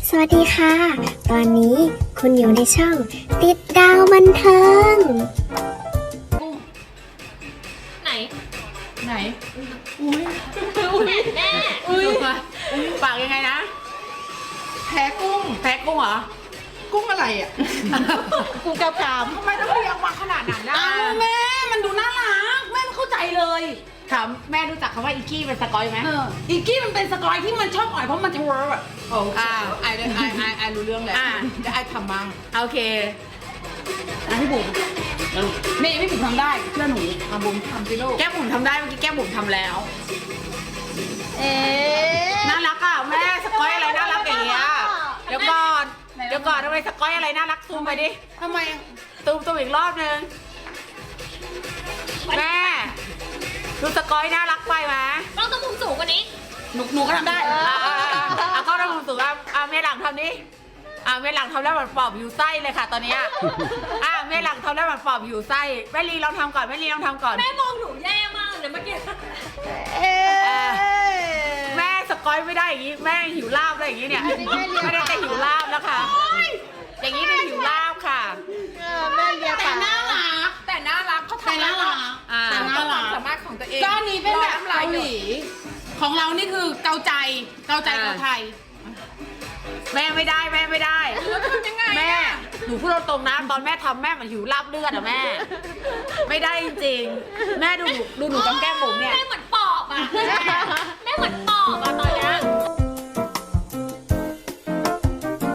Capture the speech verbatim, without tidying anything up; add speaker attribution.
Speaker 1: สวัสดีค่ะ ตอนนี้คุณอยู่ในช่องติดดาวบันเทิง
Speaker 2: ไหน
Speaker 3: ไหน อุ้ย
Speaker 2: อุ้ยแม่
Speaker 3: อุ้ยปากยังไงนะ
Speaker 4: แพ้กุ้ง
Speaker 3: แพ้กุ้งเหรอ
Speaker 4: กุ้งอะไรอ่ะ
Speaker 3: กุ้งแก้วกราม
Speaker 4: ทำไมต้องเรียกว่าขนาดนั้นนะ
Speaker 3: อ้าวแม่ มันดูน่ารัก แม่ไม่เข้าใจเลยถามแม่รู้จักคำว่าอีกี้เป็นสกอยไหม
Speaker 4: เอออีกกี้มันเป็นสกอยที่มันชอบอ่อยเพราะมันจะเวิร์บอ่ะโอ้
Speaker 3: อ่า
Speaker 4: ไอ้ไอ้ไอ้ไอ้รู้เรื่องแหละ
Speaker 3: อ่า
Speaker 4: จะไอ้ทำมั่ง
Speaker 3: โอเค
Speaker 4: อ่ะพี่บุ๋มนี่พี่บุ๋มทำได้เชื่อหนูทำบุ๋มทำสิลูก
Speaker 3: แก้มบุ๋มทำได้เมื่อกี้แก้มบุ๋มทำแล้ว
Speaker 4: เอ๊ะ
Speaker 3: น่ารักอ่ะแม่สกอยอะไรน่ารักอย่างเงี้ยเดี๋ยวก่อนเดี๋ยวก่อนทำไมสกอยอะไรน่ารักซูมไปดิ
Speaker 4: ทำไม
Speaker 3: ซูมซูมอีกรอบนึงแม่ดูสกอยน่ารักไปไหม
Speaker 2: ต้องต้องมุมสูงกว่านี้
Speaker 4: หนูหนูก็ทำได้
Speaker 3: อ่าเอาเข้าระบบสูงอ่ะอ่าเมหลังทำนี้อ่าเมหลังทำแล้วเหมือนปอบอยู่ไส้เลยค่ะตอนเนี้ยอ่าเมหลังทำแล้วเหมือนปอบอยู่ไส้แม่ลีลองทำก่อนแม่ลีลองทำก่อน
Speaker 2: แม่มองหนูแย่มากเลยเมื่อกี้
Speaker 3: อ่าแม่สกอยไม่ได้อย่างงี้แม่หิวลาบอะไรอย่างงี้เนี่ยไม่ได้แต่หิวลาบแล้วค่ะอย่างนี้เป็นหิวลาบค่ะ
Speaker 4: แม่เรียกแต่น่ารักแต่น่ารักเขาทำน่ารัก
Speaker 3: อ่า
Speaker 4: แต่น่ารักสามารถของตัวเองก้อนนี้เป็นแบบเกาหลีของเรานี่คือเกาใจเกาใจเกาไทย
Speaker 3: แม่ไม่ได้แม่ไม่ได้
Speaker 4: ทำยังไง
Speaker 3: แม่หนูพูดตรงๆนะตอนแม่ทำแม่เหมือนหิวลาบเลือดอะแม่ ไม่ได้จริงๆแม่ดูหนูดูหนูกับแก้มบุ๋มเนี่ย
Speaker 2: แม่เหมือนปอบอ่ะแม่เหมือนปอบอ่ะตอนเนี้ย